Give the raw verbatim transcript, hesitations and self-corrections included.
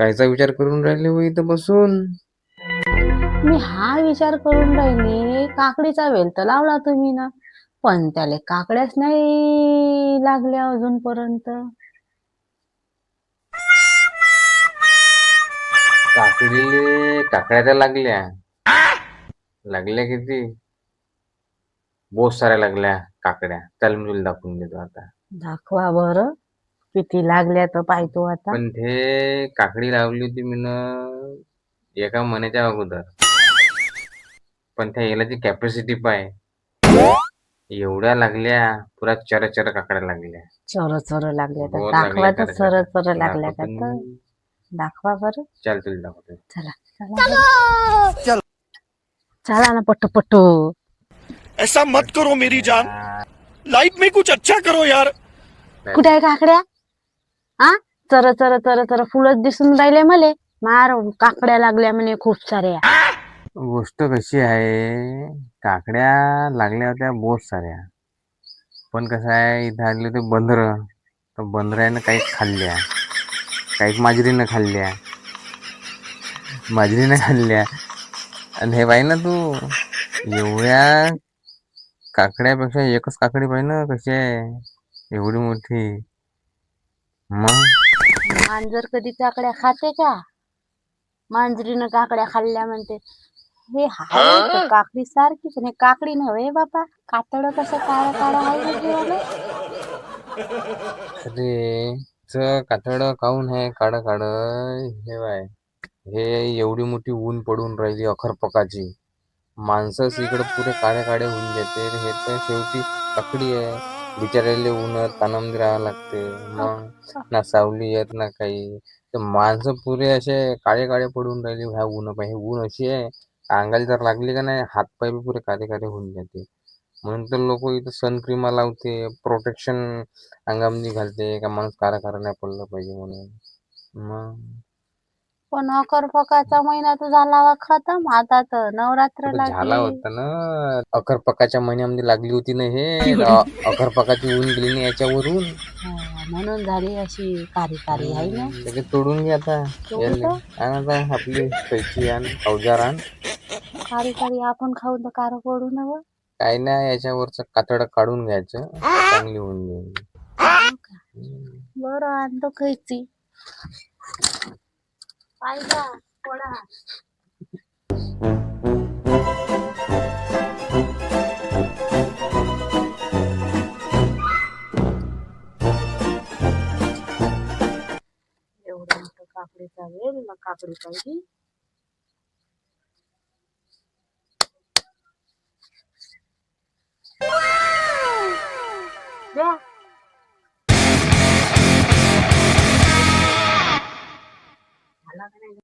कायचा विचार करून राहिले हो इथं बसून? मी हा विचार करून राहिले, काकडीचा वेल तर लावला तुम्ही ना, पण त्याले काकड्याच नाही लागल्या अजूनपर्यंत. काकडीले काकड्या तर लागल्या. लागल्या किती? बहुत साऱ्या लागल्या काकड्या. चल मी तुला दाखवून देतो आता. दाखवा बरं किती लागल्या तर पाहतो आता. पण ते काकडी लावली होती मीनं एका महिन्याच्या अगोदर. पण त्या यालाची कॅपॅसिटी पाय. एवढ्या लागल्या, पुरा चर चर काकड्या लागल्या. चर चर लागल्या तर बहुत लागल्या दाखवा तर चर चर चर. चर लागल्या का दाखवतो तर मी. दाखवा बरं. चल तुला दाखवतो. चला चला चला ना पट्टू पट्टू. ऐसा मत करो मेरी जान, लाइफ में कुछ अच्छा करो यार. कुठे आहे काकड्या? हा चर चर चर चर फुलच दिसून राहिले मले. मार काकड्या लागल्या म्हणे खूप साऱ्या. गोष्ट कशी आहे, काकड्या लागल्या होत्या बहुत साऱ्या. पण कसं आहे, इथं आले होते बंदरं. तर बंदरानं काही खाल्ल्या, काही मांजरीनं खाल्ल्या. मांजरीनं खाल्ल्या. आणि हे पाही ना तू, एवढ्या काकड्यापेक्षा एकच काकडी पाही ना कशी आहे, एवढी मोठी. मग मांजर कधी काकड्या खाते का? मांजरीनं काकड्या खाल्ल्या म्हणते. हे हाय तर काकडी सारखी पण हे काकडी नव्हे बापा. कातड कसं काळं काळं आहे ना जीवाला. अरे च कातड काऊन आहे काढ काढ हे बाय, हे एवढी मोठी ऊन पडून राहिली अखरपकाची. माणसंच इकडं पुरे काळे काळे होऊन जाते. हे तर शेवटी काकडी आहे. बिचारायले उन्हात तानामध्ये राहावं लागते. मग ना सावली येत ना काही. तर माणसं पुरे असे काळे काळे पडून राहिले ह्या ऊन पाहिजे. ऊन अशी आहे, अंगाला जर लागली का नाही हातपाय बी पुरे काळे काळे होऊन जाते. म्हणून तर लोक इथं सनक्रीमा लावते, प्रोटेक्शन अंगामध्ये घालते का माणूस काळा काळा नाही पडलं पाहिजे म्हणून. मग पण अकरपकाचा महिना तर झाला वा खतम. आता तर नवरात्र कुठं झाला लागली. होता ना, अकरपकाच्या महिन्यामध्ये लागली होती ना हे. अकरपकाची ऊन गेली ना याच्यावरून. हो, म्हणून झाली अशी कारी कारी आहे ना. सगळे तोडून घे आता. तोडू याले तर आण आता आपली कैची आण, अवजार आण. कारी कारी आपण खाऊन तर कार पडू नव. काय नाही, याच्यावरचं कातड काढून घ्यायचं, चांगली होऊन जाईल. बरं आणतो खायची पाहिजा पडा. एवढं मोठं काकडीचा वेल मग काकडी पाहिजे. द्या झाला का नाही.